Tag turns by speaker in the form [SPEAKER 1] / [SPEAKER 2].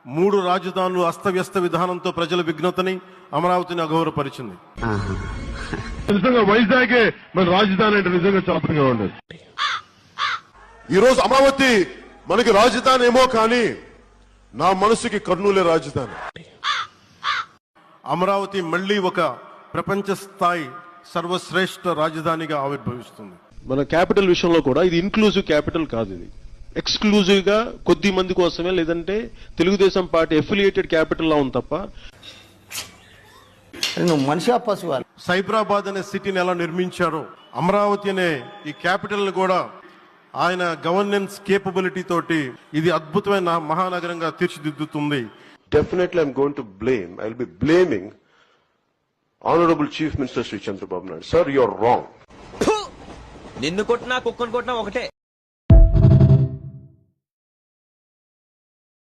[SPEAKER 1] మూడు రాజధానులు అస్తవ్యస్త విధానంతో ప్రజల విఘ్నతని అమరావతిని అగౌరవపరిచింది.
[SPEAKER 2] నిజంగా వైజాగే మన రాజధాని అంటే నిజంగా చాపంగా ఉండదు.
[SPEAKER 3] ఈ రోజు అమరావతి మనకి రాజధాని ఏమో కానీ నా మనసుకి కర్నూలే రాజధాని.
[SPEAKER 1] అమరావతి మళ్లీ ఒక ప్రపంచ స్థాయి సర్వశ్రేష్ఠ రాజధానిగా ఆవిర్భవిస్తుంది.
[SPEAKER 4] మన క్యాపిటల్ విషయంలో కూడా ఇది ఇన్క్లూజివ్ క్యాపిటల్ కాదు, ఇది ఎక్స్క్లూజివ్ గా కొద్ది మంది కోసమే, లేదంటే తెలుగుదేశం పార్టీ ఎఫిలియేటెడ్ క్యాపిటల్ లా ఉంది తప్ప.
[SPEAKER 5] మనిషి పశువు.
[SPEAKER 1] సైబరాబాద్ అనే సిటీని ఎలా నిర్మించారో అమరావతి అనే ఈ క్యాపిటల్ కూడా ఆయన గవర్నెన్స్ కేపబిలిటీ తోటి ఇది అద్భుతమైన మహానగరంగా తీర్చిదిద్దుతుంది.
[SPEAKER 3] Definitely I'm going to blame, I'll be blaming Honorable Chief Minister Sri Chandrababu Naidu. Sir, you're wrong.
[SPEAKER 6] నిన్ను కొట్టినా కుక్కను కొట్టినా ఒకటే.